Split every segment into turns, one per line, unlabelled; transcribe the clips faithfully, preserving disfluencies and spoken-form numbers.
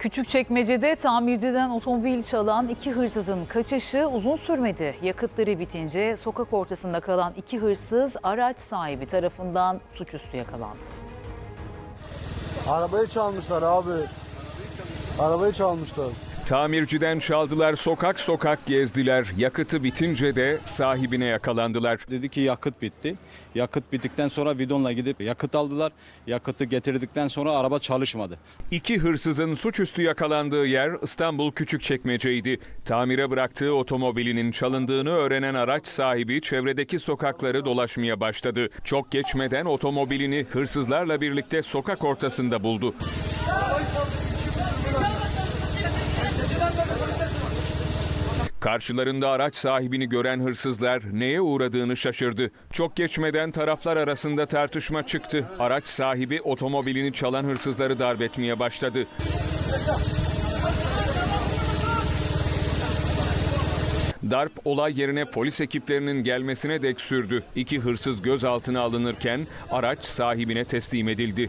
Küçükçekmece'de tamirciden otomobil çalan iki hırsızın kaçışı uzun sürmedi. Yakıtları bitince sokak ortasında kalan iki hırsız araç sahibi tarafından suçüstü yakalandı.
Arabayı çalmışlar abi. Arabayı çalmışlar.
Tamirciden çaldılar, sokak sokak gezdiler. Yakıtı bitince de sahibine yakalandılar.
Dedi ki yakıt bitti. Yakıt bittikten sonra bidonla gidip yakıt aldılar. Yakıtı getirdikten sonra araba çalışmadı.
İki hırsızın suçüstü yakalandığı yer İstanbul Küçükçekmece'ydi. Tamire bıraktığı otomobilinin çalındığını öğrenen araç sahibi çevredeki sokakları dolaşmaya başladı. Çok geçmeden otomobilini hırsızlarla birlikte sokak ortasında buldu. Karşılarında araç sahibini gören hırsızlar neye uğradığını şaşırdı. Çok geçmeden taraflar arasında tartışma çıktı. Araç sahibi otomobilini çalan hırsızları darp etmeye başladı. Darp olay yerine polis ekiplerinin gelmesine dek sürdü. İki hırsız gözaltına alınırken araç sahibine teslim edildi.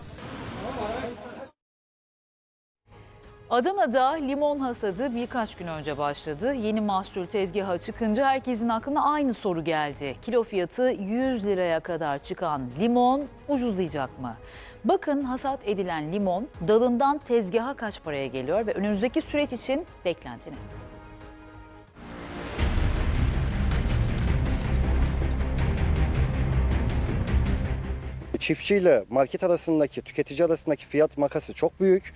Adana'da limon hasadı birkaç gün önce başladı. Yeni mahsul tezgaha çıkınca herkesin aklına aynı soru geldi. Kilo fiyatı yüz liraya kadar çıkan limon ucuzlayacak mı? Bakın hasat edilen limon dalından tezgaha kaç paraya geliyor ve önümüzdeki süreç için beklenti ne?
Çiftçiyle market arasındaki, tüketici arasındaki fiyat makası çok büyük.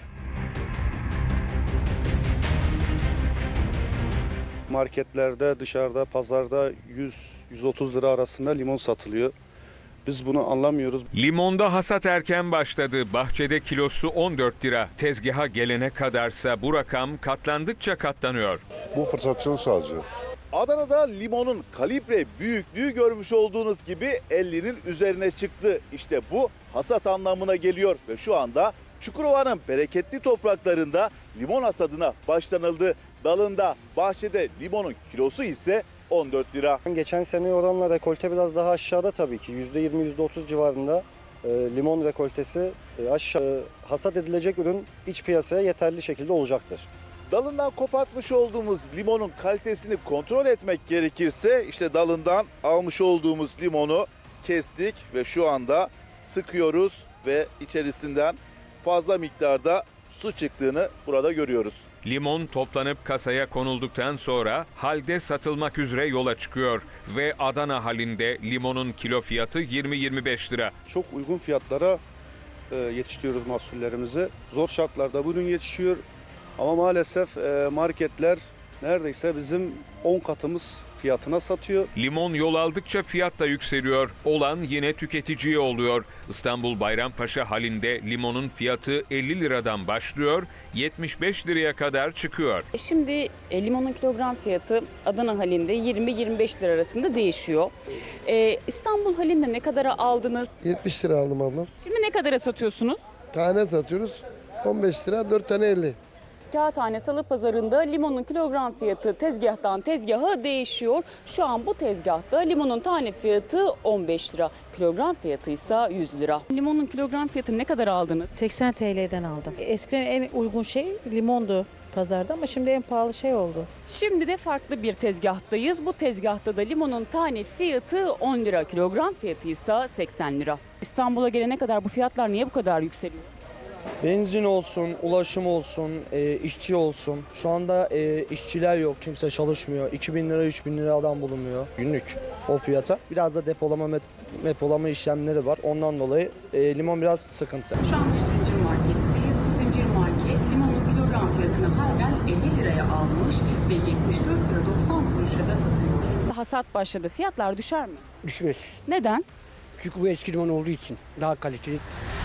Marketlerde, dışarıda, pazarda yüz yüz otuz lira arasında limon satılıyor. Biz bunu anlamıyoruz.
Limonda hasat erken başladı. Bahçede kilosu on dört lira. Tezgaha gelene kadarsa bu rakam katlandıkça katlanıyor.
Bu fırsatçılık sadece.
Adana'da limonun kalibre büyüklüğü görmüş olduğunuz gibi ellinin üzerine çıktı. İşte bu hasat anlamına geliyor ve şu anda Çukurova'nın bereketli topraklarında limon hasadına başlanıldı. Dalında, bahçede limonun kilosu ise on dört lira.
Geçen sene oranla rekolte biraz daha aşağıda tabii ki. yüzde yirmi yüzde otuz civarında e, limon rekoltesi e, aşağı hasat edilecek ürün iç piyasaya yeterli şekilde olacaktır.
Dalından kopartmış olduğumuz limonun kalitesini kontrol etmek gerekirse işte dalından almış olduğumuz limonu kestik ve şu anda sıkıyoruz ve içerisinden fazla miktarda su çıktığını burada görüyoruz.
Limon toplanıp kasaya konulduktan sonra halde satılmak üzere yola çıkıyor ve Adana halinde limonun kilo fiyatı yirmi yirmi beş lira.
Çok uygun fiyatlara e, yetiştiriyoruz mahsullerimizi. Zor şartlarda bu ürün yetişiyor ama maalesef e, marketler neredeyse bizim on katımız fiyatına satıyor.
Limon yol aldıkça fiyat da yükseliyor. Olan yine tüketiciye oluyor. İstanbul Bayrampaşa halinde limonun fiyatı elli liradan başlıyor, yetmiş beş liraya kadar çıkıyor.
Şimdi e, limonun kilogram fiyatı Adana halinde yirmi yirmi beş lira arasında değişiyor. E, İstanbul halinde ne kadara aldınız?
yetmiş lira aldım ablam.
Şimdi ne kadara satıyorsunuz?
Tane satıyoruz. on beş lira, dört tane elli.
Kağıthane Salı Pazarı'nda limonun kilogram fiyatı tezgahtan tezgaha değişiyor. Şu an bu tezgahta limonun tane fiyatı on beş lira. Kilogram fiyatı ise yüz lira. Limonun kilogram fiyatı ne kadar aldınız?
seksen T L'den aldım. Eskiden en uygun şey limondu pazarda ama şimdi en pahalı şey oldu.
Şimdi de farklı bir tezgahtayız. Bu tezgahta da limonun tane fiyatı on lira. Kilogram fiyatı ise seksen lira. İstanbul'a gelene kadar bu fiyatlar niye bu kadar yükseliyor?
Benzin olsun, ulaşım olsun, e, işçi olsun. Şu anda e, işçiler yok, kimse çalışmıyor. iki bin lira, üç bin lira adam bulunmuyor günlük o fiyata. Biraz da depolama, depolama işlemleri var. Ondan dolayı e, limon biraz sıkıntı.
Şu an bir zincir marketteyiz. Bu zincir market limonun kilogram fiyatını halen elli liraya almış ve yetmiş dört lira doksan kuruşa da satıyor. Hasat başladı. Fiyatlar düşer mi?
Düşmez.
Neden?
Çünkü bu eski limon olduğu için daha kaliteli.